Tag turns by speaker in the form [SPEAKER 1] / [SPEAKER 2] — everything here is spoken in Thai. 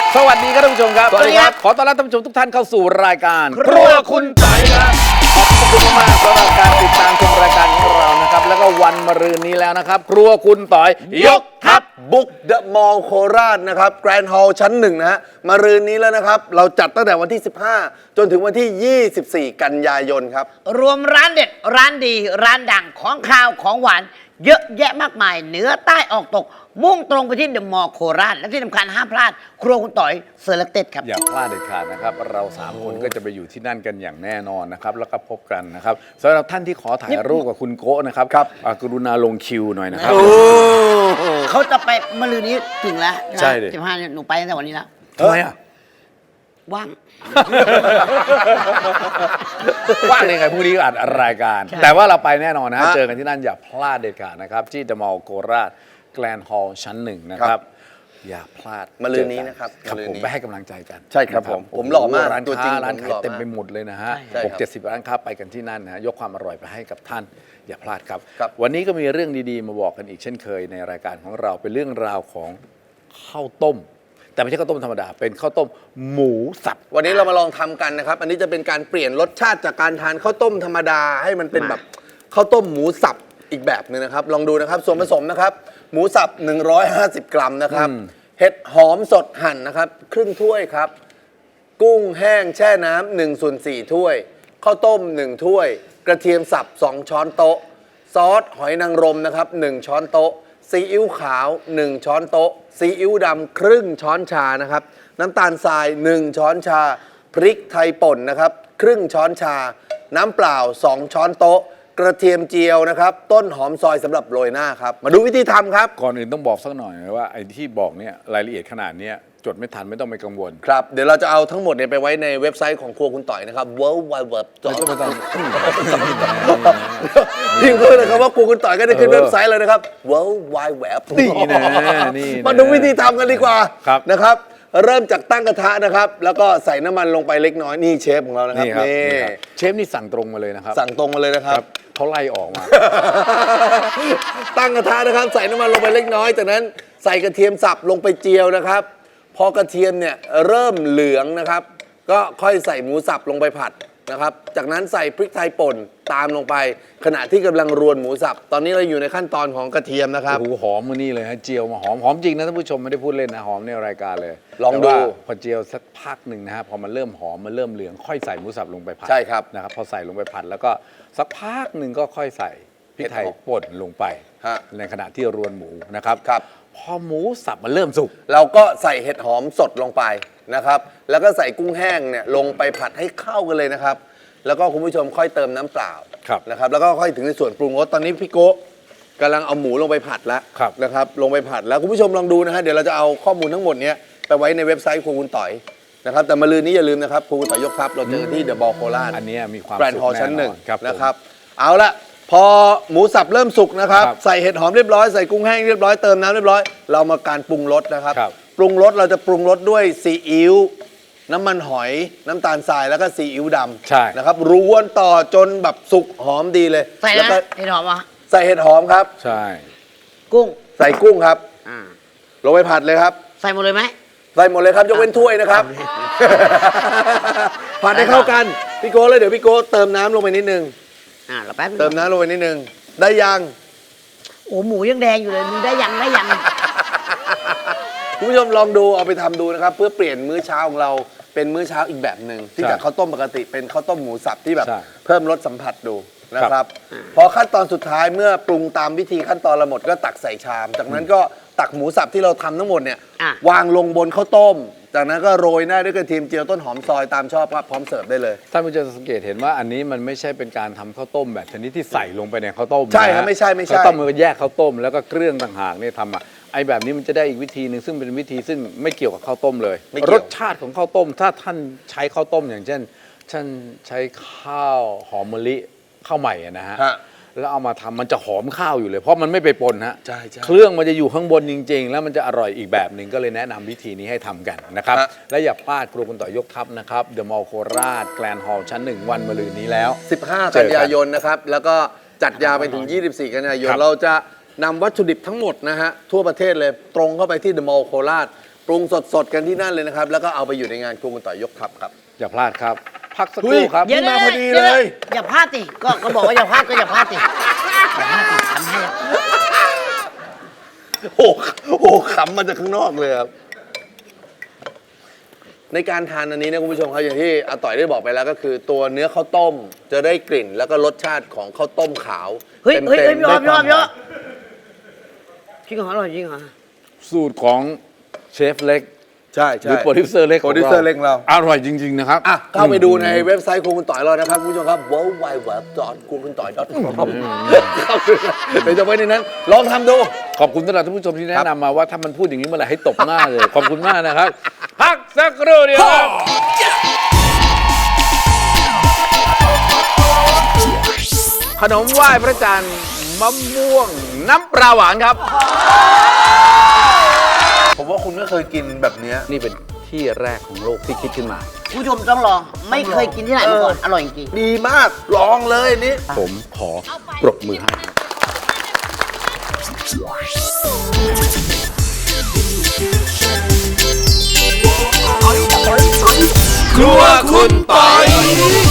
[SPEAKER 1] สวัสดีครับท่านผู้ชมครับ
[SPEAKER 2] สวัสดีครับ
[SPEAKER 1] ขอต้อนรับท่านผู้ชมทุกท่านเข้าสู่รายการครัวคุณไต่ครับขอบคุณมากสำหรับการติดตามชมรายการของเรานะครับแล้วก็วันมะรืนนี้แล้วนะครับครัวคุณต่อยยกทัพ
[SPEAKER 2] บุกเดอะมอลล์โคราชนะครับแกรนด์ฮอลล์ชั้นหนึ่งนะฮะมารืนนี้แล้วนะครับเราจัดตั้งแต่วันที่ 15 จนถึงวันที่ 24 กันยายนครับ
[SPEAKER 3] รวมร้านเด็ดร้านดีร้านดังของข้าวของหวานเยอะแยะมากมายเหนือใต้ออกตก มุ่งตรงไปที่เดอะมอลล์โคราชและที่สำคัญห้ามพลาด ครัวคุณต่อยเซอร์เลคเต็ดครับ
[SPEAKER 1] อย่าพลาดเด็ดขาดนะครับเรา3คนก็จะไปอยู่ที่นั่นกันอย่างแน่นอนนะครับแล้วก็พบกันนะครับสำหรับท่านที่ขอถ่ายรูปกับคุณโก้นะครับกรุณาลงคิวหน่อยนะครับ
[SPEAKER 3] เขาจะไปมะรืนนี้ถึงแล้ว
[SPEAKER 1] ใช่ดิ
[SPEAKER 3] 15เนี่ยหนูไปตั้งแต่วันนี้แล้ว
[SPEAKER 1] ทำไมอ่ะ
[SPEAKER 3] ว่าง
[SPEAKER 1] ว่างเลยไงพรุ่งนี้อัดรายการ
[SPEAKER 3] ใช่
[SPEAKER 1] แต่ว่าเราไปแน่นอนนะเจอกันที่นั่นอย่าพลาดเด็ดขาดนะครับที่เดอะมอลล์โคราชแกรนด์ฮอลล์ชั้นหนึ่งนะครับอย่าพลาด
[SPEAKER 2] มะรืนนี้นะครับ
[SPEAKER 1] ครับ
[SPEAKER 2] มะรืน
[SPEAKER 1] ผม
[SPEAKER 2] นี้
[SPEAKER 1] ไปให้กำลังใจกัน
[SPEAKER 2] ใช่ครับผมผมหล่อมาก
[SPEAKER 1] ร้าน
[SPEAKER 2] ตัวจริ
[SPEAKER 1] ค้าง ร้าน
[SPEAKER 2] ผม
[SPEAKER 1] ขาย
[SPEAKER 2] หล่อ
[SPEAKER 1] เต็ม
[SPEAKER 2] มาก
[SPEAKER 1] ไปหมดเลยนะฮะ
[SPEAKER 2] ใช่ครับ
[SPEAKER 1] 60 ร้านค้าไปกันที่นั่นนะฮะยกความอร่อยไปให้กับท่านอย่าพลาดครับ
[SPEAKER 2] ครับ
[SPEAKER 1] วันนี้ก็มีเรื่องดีๆมาบอกกันอีกเช่นเคยในรายการของเราเป็นเรื่องราวของข้าวต้ม แต่ไม่ใช่ข้าวต้มธรรมดาเป็นข้าวต้มหมูสับ
[SPEAKER 2] วันนี้เรามาลองทำกันนะครับ อันนี้จะเป็นการเปลี่ยนรสชาติจากการทานข้าวต้มธรรมดาให้มันเป็นแบบข้าวต้มหมูสับอีกแบบหนึงนะครับ ลองดูนะครับส่วนผสมนะครับ หมูสับ 150 กรัมนะครับเห็ดหอมสดหั่นนะครับครึ่งถ้วยครับ กุ้งแห้งแช่น้ำ1/4 ถ้วยข้าวต้ม1ถ้วย กระเทียมสับ2 ช้อนโต๊ะ ซอสหอยนางรมนะครับ1 ช้อนโต๊ะซีอิ๊วขาว1 ช้อนโต๊ะซีอิ๊วดำครึ่งช้อนชานะครับน้ำตาลทราย1 ช้อนชา พริกไทยป่นนะครับครึ่งช้อนชา น้ำเปล่า2 ช้อนโต๊ะ กระเทียมเจียวนะครับต้นหอมซอยสำหรับโรยหน้าครับมาดูวิธีทำครับ
[SPEAKER 1] ก่อนอื่นต้องบอกสักหน่อยนะว่าไอ้ที่บอกเนี่ยรายละเอียดขนาดเนี้ยจดไม่ทันไม่ต้องไปกังวล
[SPEAKER 2] ครับเดี๋ยวเราจะเอาทั้งหมดเนี่ยไปไว้ในเว็บไซต์ของครัวคุณต่อยนะครับ world wide web
[SPEAKER 1] ไม่ต้อง
[SPEAKER 2] พิมพ์เลยนะครับว่าครัวคุณต่อยก็ได้ขึ้นเว็บไซต์เลยนะครับ world wide web
[SPEAKER 1] นี่นะนี่นะ
[SPEAKER 2] มาดูวิธีทำกันดีกว่า
[SPEAKER 1] ครับ
[SPEAKER 2] นะครับ เริ่มจากตั้งกระทะนะครับ แล้วก็ใส่น้ำมันลงไปเล็กน้อยนี่เชฟของเรานะครับ
[SPEAKER 1] นี่ครับ
[SPEAKER 2] นี่
[SPEAKER 1] นี่ครับเชฟนี่สั่งตรงมาเลยนะครับ
[SPEAKER 2] สั่งตรงมาเลยนะครับ
[SPEAKER 1] เขาไล่ออกมา
[SPEAKER 2] ตั้งกระทะนะครับ ใส่น้ำมันลงไปเล็กน้อยจากนั้นใส่กระเทียมสับลงไปเจียวนะครับ พอกระเทียมเนี่ยเริ่มเหลืองนะครับ ก็ค่อยใส่หมูสับลงไปผัดนะครับ จากนั้นใส่พริกไทยป่นตามลงไป ขณะที่กำลังรวนหมูสับ ตอนนี้เราอยู่ในขั้นตอนของกระเทียมนะครับ
[SPEAKER 1] โอ้โหหอมมือนี่เลยฮะเจียวมาหอมจริงนะท่านผู้ชมไม่ได้พูดเล่นนะหอมในรายการเลย
[SPEAKER 2] ลองดู
[SPEAKER 1] แต่ว่าพอเจียวสักพักหนึ่งนะฮะพอมันเริ่มหอมมันเริ่มเหลืองค่อยใส่หมูสับลงไปผัด
[SPEAKER 2] ใช่ครับ
[SPEAKER 1] นะครับพอใส่ลงไปผัดแล้วก็สักพักหนึ่งก็ค่อยใส่พริกไทยป่นลงไป
[SPEAKER 2] ฮะ
[SPEAKER 1] ในขณะที่รวนหมูนะครับ
[SPEAKER 2] ครับ
[SPEAKER 1] พอหมูสับมันเริ่มสุก
[SPEAKER 2] เราก็ใส่เห็ดหอมสดลงไปนะครับ แล้วก็ใส่กุ้งแห้งเนี่ยลงไปผัดให้เข้ากันเลยนะครับ แล้วก็คุณผู้ชมค่อยเติมน้ำเปล่า
[SPEAKER 1] ครับ
[SPEAKER 2] นะครับ แล้วก็ค่อยถึงในส่วนปรุงรส ตอนนี้พี่โก้กำลังเอาหมูลงไปผัดแล้ว
[SPEAKER 1] ครับ
[SPEAKER 2] นะครับ ลงไปผัดแล้วคุณผู้ชมลองดูนะฮะ เดี๋ยวเราจะเอาข้อมูลทั้งหมดเนี้ยไปไว้ในเว็บไซต์ครัวคุณต่อยนะครับ แต่มาลืนนี้อย่าลืมนะครับครัวคุณต่อยยกทัพเราเจอกันที่เดอะบอลโคราช
[SPEAKER 1] อันเนี้ยมีความ
[SPEAKER 2] แกรนด์
[SPEAKER 1] สุ
[SPEAKER 2] ฮอล
[SPEAKER 1] ข
[SPEAKER 2] ล์
[SPEAKER 1] แน่
[SPEAKER 2] ชั้น
[SPEAKER 1] น
[SPEAKER 2] ห
[SPEAKER 1] อ
[SPEAKER 2] นึ่ง
[SPEAKER 1] นครับ
[SPEAKER 2] นะครับ เอาละพอหมูสับเริ่มสุกนะครับ
[SPEAKER 1] ครับ
[SPEAKER 2] ใส่เห็ดหอมเรียบร้อยใส่กุ้งแห้งเรียบร้อยเติมน้ำเรียบร้อยเรามาการปรุงรสนะครับ
[SPEAKER 1] ครับ
[SPEAKER 2] ปรุงรสเราจะปรุงรสด้วยซีอิ๊วน้ำมันหอยน้ำตาลทรายแล้วก็ซีอิ๊วด
[SPEAKER 1] ใช่
[SPEAKER 2] ำนะครับรวนต่อจนแบบสุกหอมดีเลย
[SPEAKER 3] ใส่
[SPEAKER 2] แล้ว
[SPEAKER 3] นะ
[SPEAKER 2] ก็
[SPEAKER 3] เห็ดหอมอ่ะ
[SPEAKER 2] ใส่เห็ดหอมครับ
[SPEAKER 1] ใช่
[SPEAKER 3] กุ้ง
[SPEAKER 2] ใส่กุ้งครับ
[SPEAKER 3] อ่า
[SPEAKER 2] ลงไปผัดเลยครับ
[SPEAKER 3] ใส่หมดเลยไหม
[SPEAKER 2] ใส่หมดเลยครับยกเว้นถ้วยนะครับ ผัดให้เข้ากันพี่โก้เลยเดี๋ยวพี่โก้เติมน้ำลงไปนิดนึง
[SPEAKER 3] เราแป๊บนึง
[SPEAKER 2] เติมน้ำลงไปนิดนึงได้ยัง
[SPEAKER 3] โอ้หมูยังแดงอยู่เลยมึงได้ยังได้ยัง
[SPEAKER 2] คุณผู้ชมลองดูเอาไปทำดูนะครับ เพื่อเปลี่ยนมื้อเช้าของเราเป็นมื้อเช้าอีกแบบหนึ่งที่จากข้าวต้มปกติเป็นข้าวต้มหมูสับที่แบบ
[SPEAKER 1] ใช่
[SPEAKER 2] เพิ่มรสสัมผัสดูนะครับ พอขั้นตอนสุดท้ายเมื่อปรุงตามวิธีขั้นตอนละหมดก็ตักใส่ชาม จากนั้นก็ตักหมูสับที่เราทำทั้งหมดเนี่ย
[SPEAKER 3] อ่ะ
[SPEAKER 2] วางลงบนข้าวต้ม จากนั้นก็โรยหน้าด้วยกระเทียมเจียวต้นหอมซอยตามชอบครับพร้อมเสิร์ฟได้เลย
[SPEAKER 1] ท่านผู้ชมสังเกตเห็นว่าอันนี้มันไม่ใช่เป็นการทำข้าวต้มแบบชนิดที่ใส่ลงไปในข้าวต้ม
[SPEAKER 2] ใช่ครับ
[SPEAKER 1] นะฮะ
[SPEAKER 2] ไม่ใช่
[SPEAKER 1] ข้าวต้มมันก็แยกข้าวต้มแล้วก็เครื่องต่างหากเนี่ยทำอ่ะไอ้แบบนี้มันจะได้อีกวิธีหนึ่งซึ่งเป็นวิธีซึ่งไม่เกี่ยวกับข้าวต้มเลย
[SPEAKER 2] ไม่เกี่ยว
[SPEAKER 1] รสชาติของข้าวต้ม ถ้าท่านใช้ข้าวต้มอย่างเช่นท่านใช้ข้าวหอมมะลิข้าวใหม่อะนะฮะ
[SPEAKER 2] ฮะ
[SPEAKER 1] แล้วเอามาทำมันจะหอมข้าวอยู่เลย เพราะมันไม่ไปปนฮะ
[SPEAKER 2] ใช่ใช่
[SPEAKER 1] เครื่องมันจะอยู่ข้างบนจริง ๆ แล้วมันจะอร่อยอีกแบบหนึ่งก็เลยแนะนำวิธีนี้ให้ทำกันนะครับ
[SPEAKER 2] ฮะ
[SPEAKER 1] และอย่าพลาดครัวคุณต่อยยกทัพนะครับเดอะมอลล์โคราชแกรนด์ฮอลล์ชั้น 1 วันมะรืนนี้แล้ว
[SPEAKER 2] 15
[SPEAKER 1] เจ
[SPEAKER 2] กัน
[SPEAKER 1] อกัน
[SPEAKER 2] ยายนนะครับ แล้วก็จัดยาวไปถึง 24 กันยายน
[SPEAKER 1] ครับ
[SPEAKER 2] เราจะนำวัตถุดิบทั้งหมดนะฮะ ทั่วประเทศเลยตรงเข้าไปที่เดอะมอลล์โคราชปรุงสดๆกันที่นั่นเลยนะครับ แล้วก็เอาไปอยู่ในงานครัวคุณต่อยยกทัพครับ
[SPEAKER 1] อย่าพลาดครับ พักสักครู่ครับ
[SPEAKER 3] เดี๋ยว
[SPEAKER 2] มาพอดี
[SPEAKER 3] ดี๋ว
[SPEAKER 2] เลย
[SPEAKER 3] อย่าพลาดสิก็บอกว่าอย่าพลาดก็อย่าพลาดสิอย่าพลาดสิทำให้
[SPEAKER 2] โอ้โหขำมาจากข้างนอกเลยครับ ในการทานอันนี้นะคุณผู้ชมครับอย่างที่อาต่อยได้บอกไปแล้วก็คือตัวเนื้อข้าวต้มจะได้กลิ่น แล้วก็รสชาติของข้าวต้มขาว
[SPEAKER 3] เฮ้ย
[SPEAKER 2] ต็มๆ
[SPEAKER 3] เฮ้ยพี่ออม
[SPEAKER 2] ด้ว
[SPEAKER 3] พี่ออม
[SPEAKER 2] ความ
[SPEAKER 3] จริงเหรออร่อยจริงเหรอ
[SPEAKER 1] สูตรของเชฟเล็ก
[SPEAKER 2] ใช่
[SPEAKER 1] ห
[SPEAKER 2] ใช่
[SPEAKER 1] รือโปรดิวเซอร์เล็ก
[SPEAKER 2] โปรดิวเซอร์เล็กของเรา
[SPEAKER 1] อร่อยจริง ๆ นะครับ
[SPEAKER 2] อ่ะเข้าไปดูในเว็บไซต์ครัวคุณต่อยเรานะครับคุณผู้ชมครับ www.kurkuntoy.com เข้าไปเดี๋ยวจะไว้ในนั้น ลองทำดู
[SPEAKER 1] ขอบคุณสำหรับท่านผู้ชมที่แนะนำมาว่าถ้ามันพูดอย่างนี้เมื่อไหร่ให้ตบหน้าเลย ขอบคุณมากนะครับ พักสักครู่เดียวครับ ขนมไหว้พระจันทร์มะม่วงน้ำปลาหวานครับ
[SPEAKER 2] ผมว่าคุณไม่เคยกินแบบเนี้ย
[SPEAKER 1] นี่เป็นที่แรกของโลกที่คิดขึ้นมา
[SPEAKER 3] ผู้ชมต้องลองไม่เคยกินที่ไหนมาก่อนอร่อยจริง
[SPEAKER 2] ดีมาก ลองเลยอันนี้
[SPEAKER 1] ผมขอปรบมือให้ครับ ครัวคุณปอย